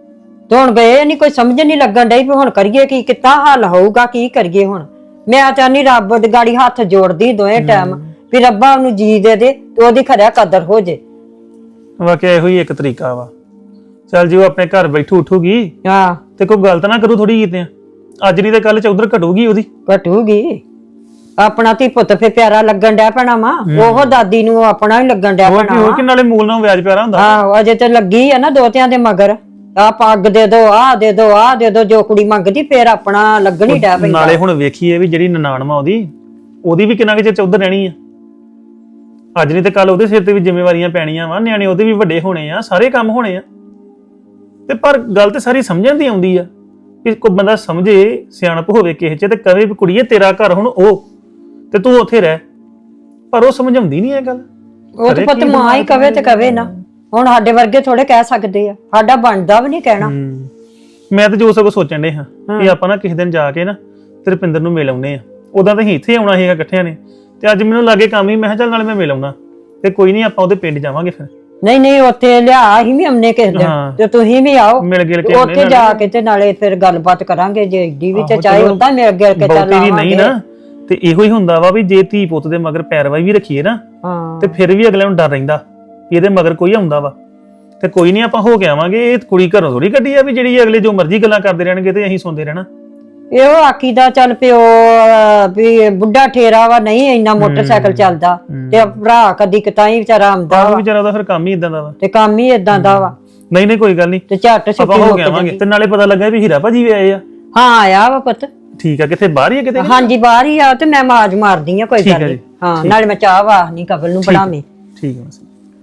A: ਤੇ ਹੁਣ ਗਏ ਨਹੀਂ, ਕੋਈ ਸਮਝ ਨਹੀਂ ਲੱਗਣ ਡਈ ਵੀ ਹੁਣ ਕਰੀਏ ਕੀ, ਕਿੱਦਾਂ ਹੱਲ ਹੋਊਗਾ, ਕੀ ਕਰੀਏ ਹੁਣ। ਮੈਂ ਚਾਹਨੀ ਰੱਬ ਦੀ ਗਾੜੀ ਹੱਥ ਜੋੜਦੀ ਦੋਵੇਂ ਟਾਈਮ ਵੀ ਰੱਬਾ ਉਹਨੂੰ ਜੀ ਦੇ ਦੇ ਤੇ ਉਹਦੀ ਖਰਿਆ ਕਦਰ ਹੋ ਜੇ।
F: ਵਾਕਿਆ ਇਹੋ ਹੀ ਇੱਕ ਤਰੀਕਾ ਵਾ। ਚੱਲ ਜੀ ਉਹ ਆਪਣੇ ਘਰ ਬੈਠੂ ਉਠੂਗੀ
A: ਹਾਂ
F: ਤੇ ਕੋਈ ਗਲਤ ਨਾ ਕਰੂ ਥੋੜੀ ਕੀਤੇ ਅੱਜ ਨਹੀਂ ਤੇ ਕੱਲ ਚੌਧਰ ਘਟੂਗੀ ਉਹਦੀ।
A: ਘਟੂਗੀ। ਆਪਣਾ ਧੀ ਪੁੱਤ ਫੇ ਪਿਆਰਾ ਲੱਗਣ ਡਿਆ ਪੈਣਾ ਵਾ, ਉਹ ਦਾਦੀ ਨੂੰ ਆਪਣਾ ਹੀ ਲੱਗਣ ਡਿਆ
F: ਹੋਰ
A: ਪੈਣਾ
F: ਕੀ ਹੋਰ
A: ਵਾ।
F: ਕਿ ਨਾਲੇ ਮੂਲ ਨਾਲ ਵਿਆਜ ਪਿਆਰਾ ਹੁੰਦਾ।
A: ਆਹੋ ਅਜੇ ਤੇ ਲੱਗੀ ਆ ਨਾ ਦੋਤਿਆਂ ਦੇ ਮਗਰ, ਆ ਪੱਗ ਦੇ ਦੋ, ਆਹ ਦੇ ਦੋ, ਆਹ ਦੇ ਦੋ, ਜੋ ਕੁੜੀ ਮੰਗਦੀ ਫੇਰ ਆਪਣਾ ਲੱਗਣ ਹੀ ਡਿਆ ਪੈਂਦਾ।
F: ਨਾਲੇ ਹੁਣ ਵੇਖੀਏ ਵੀ ਜਿਹੜੀ ਨਨਾਣ ਵਾ ਉਹਦੀ ਉਹਦੀ ਵੀ ਕਿੰਨਾ ਕਿ ਚਿਰ ਚੌਧਰ ਰਹਿਣੀ ਆ। ਅੱਜ ਨਹੀਂ ਤੇ ਕੱਲ ਉਹਦੇ ਸਿਰ ਤੇ ਵੀ ਜ਼ਿੰਮੇਵਾਰੀਆਂ ਪੈਣੀਆਂ ਵਾ, ਨਿਆਣੇ ਉਹਦੇ ਵੀ ਵੱਡੇ ਹੋਣੇ ਆ, ਸਾਰੇ ਕੰਮ ਹੋਣੇ ਆ। ਤੇ ਪਰ ਗੱਲ ਤੇ ਸਾਰੀ ਸਮਝਣ ਦੀ ਆਉਂਦੀ ਆ ਕਿ ਕੋਈ ਬੰਦਾ ਸਮਝੇ, ਸਿਆਣਪ ਹੋਵੇ ਕਿਸੇ ਚ ਤੇ ਕਵੇ ਵੀ ਕੁੜੀਏ ਤੇਰਾ ਘਰ ਹੁਣ ਉਹ ਤੇ ਤੂੰ ਉੱਥੇ ਰਹਿ, ਪਰ ਉਹ ਸਮਝਾਉਂਦੀ ਨਹੀਂ ਇਹ ਗੱਲ।
A: ਉਹ ਤੇ ਪੁੱਤ ਮਾਂ ਹੀ ਕਵੇ ਤੇ ਕਵੇ ਨਾ, ਹੁਣ ਸਾਡੇ ਵਰਗੇ ਥੋੜੇ ਕਹਿ ਸਕਦੇ ਆ, ਸਾਡਾ ਬਣਦਾ ਵੀ ਨਹੀਂ ਕਹਿਣਾ।
F: ਹੂੰ। ਮੈਂ ਤਾਂ ਜੋ ਸਗੋਂ ਸੋਚਣ ਦੇ ਹਾਂ ਕਿ ਆਪਾਂ ਨਾ ਕਿਸੇ ਦਿਨ ਜਾ ਕੇ ਨਾ ਤੇ ਰੁਪਿੰਦਰ ਨੂੰ ਮਿਲ ਆਉਨੇ ਆ। ਉਦਾਂ ਤਾਂ ਅਸੀਂ ਇੱਥੇ ਆਉਣਾ ਸੀਗਾ ਇਕੱਠਿਆਂ ਨੇ, ਤੇ ਅੱਜ ਮੈਨੂੰ ਲਾਗੇ ਕੰਮ ਹੀ, ਮੈਂ ਕਿਹਾ ਚੱਲ ਨਾਲੇ ਮੈਂ ਮਿਲ ਆਉਣਾ ਤੇ ਕੋਈ ਨਹੀਂ ਆਪਾਂ ਉਹਦੇ ਪਿੰਡ ਜਾਵਾਂਗੇ ਫਿਰ।
A: ਨਹੀਂ ਨਹੀਂ ਉੱਥੇ ਲਿਆ ਅਸੀਂ ਵੀ ਆਉਨੇ ਕਿਸੇ ਦਿਨ
F: ਹਾਂ।
A: ਤੇ ਤੁਸੀਂ ਵੀ ਆਓ,
F: ਮਿਲ ਗਿਲ ਕੇ
A: ਤੇ
F: ਆਉਨੇ
A: ਉੱਥੇ ਜਾ ਕੇ ਤੇ ਨਾਲੇ ਫਿਰ ਗੱਲਬਾਤ ਕਰਾਂਗੇ, ਜੇ ਏਡੀ ਵੀ ਤੇ
F: ਆਹੋ,
A: ਚਾਹੇ
F: ਚਲੋ
A: ਉਦਾਂ ਮਿਲ ਗਿਲ ਕੇ ਚੱਲ
F: ਬਹੁਤੀ ਵੀ ਨਹੀਂ
A: ਆਵਾਂਗੇ।
F: ਨਾ, ਤੇ ਇਹੋ ਹੀ ਹੁੰਦਾ ਵਾ ਵੀ ਜੇ ਧੀ ਪੁੱਤ ਦੇ ਮਗਰ ਪੈਰਵਾਈ ਵੀ ਰੱਖੀਏ ਨਾ
A: ਹਾਂ
F: ਤੇ ਫਿਰ ਵੀ ਅਗਲੇ ਨੂੰ ਡਰ ਰਹਿੰਦਾ ਵੀ ਇਹਦੇ ਮਗਰ ਕੋਈ ਆਉਂਦਾ ਵਾ। ਤੇ ਕੋਈ ਨਹੀਂ ਆਪਾਂ ਹੋ ਕੇ ਆਵਾਂਗੇ। ਇਹ ਕੁੜੀ ਘਰੋਂ ਥੋੜੀ ਕੱਢੀ ਆ ਵੀ ਜਿਹੜੀ ਅਗਲੇ ਜੋ ਮਰਜ਼ੀ ਗੱਲਾਂ ਕਰਦੇ ਰਹਿਣਗੇ ਤੇ ਅਸੀਂ ਸੁਣਦੇ ਰਹਿਣਾ।
A: ਇਹੋ ਆਖੀ ਦਾ ਚੱਲ ਪਿਓ ਅਹ, ਵੀ ਬੁੱਢਾ ਠੇਰਾ ਵਾ, ਨਹੀਂ ਇੰਨਾ ਮੋਟਰਸਾਈਕਲ ਚੱਲਦਾ, ਤੇ ਭਰਾ ਕਦੀ ਕਿਤਾਈ ਵਿਚਾਰਾ ਆਉਂਦਾ
F: ਆਹ
A: ਵਾ,
F: ਵਿਚਾਰਾ ਦਾ ਫਿਰ ਕੰਮ ਹੀ ਇਦਾਂ ਦਾ ਵਾ।
A: ਤੇ ਕੰਮ ਹੀ ਇਦਾਂ ਦਾ ਵਾ,
F: ਨਹੀਂ ਨਹੀਂ ਕੋਈ ਗੱਲ ਨਹੀਂ,
A: ਤੇ ਝੱਟ
F: ਆਪਾਂ
A: ਛੁੱਟੀ
F: ਹੋ
A: ਮੁੱਕ
F: ਕੇ ਆਵਾਂਗੇ।
A: ਜਾਂਦੀ।
F: ਤੇ ਨਾਲੇ ਪਤਾ ਲੱਗਾ ਵੀ ਹੀਰਾ ਭਾਜੀ ਵੀ ਆਏ ਆ।
A: ਹਾਂ ਆਇਆ ਵਾ ਪੁੱਤ।
F: ਠੀਕ ਆ, ਕਿੱਥੇ ਬਾਹਰ ਹੀ ਆ ਕਿਤੇ?
A: ਹਾਂਜੀ ਬਾਹਰ ਹੀ ਆ, ਤੇ ਮੈਂ ਆਵਾਜ਼ ਮਾਰਦੀ ਆ, ਕੋਈ
F: ਠੀਕ
A: ਗੱਲ
F: ਆ
A: ਨਹੀਂ।
F: ਜੀ,
A: ਹਾਂ ਨਾਲੇ ਮੈਂ ਚਾਹ ਵਾਹ ਨਹੀਂ ਕਬਲ ਨੂੰ ਬਣਾਵੇਂ।
F: ਠੀਕ ਹੈ।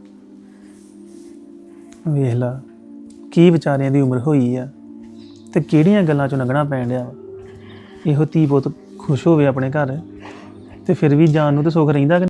F: ਵੇਖ ਲਾ ਕੀ ਵਿਚਾਰਿਆਂ ਦੀ ਉਮਰ ਹੋਈ ਆ ਤੇ ਕਿਹੜੀਆਂ ਗੱਲਾਂ ਚੋਂ ਲੰਘਣਾ ਪੈਣ ਡਿਆ ਵਾ। ਇਹੋ ਧੀ ਪੁੱਤ ਖੁਸ਼ ਹੋਵੇ ਆਪਣੇ ਘਰ ਤੇ ਫਿਰ ਵੀ ਜਾਨ ਨੂੰ ਤੇ ਸੁੱਖ ਰਹਿੰਦਾ ਕਿ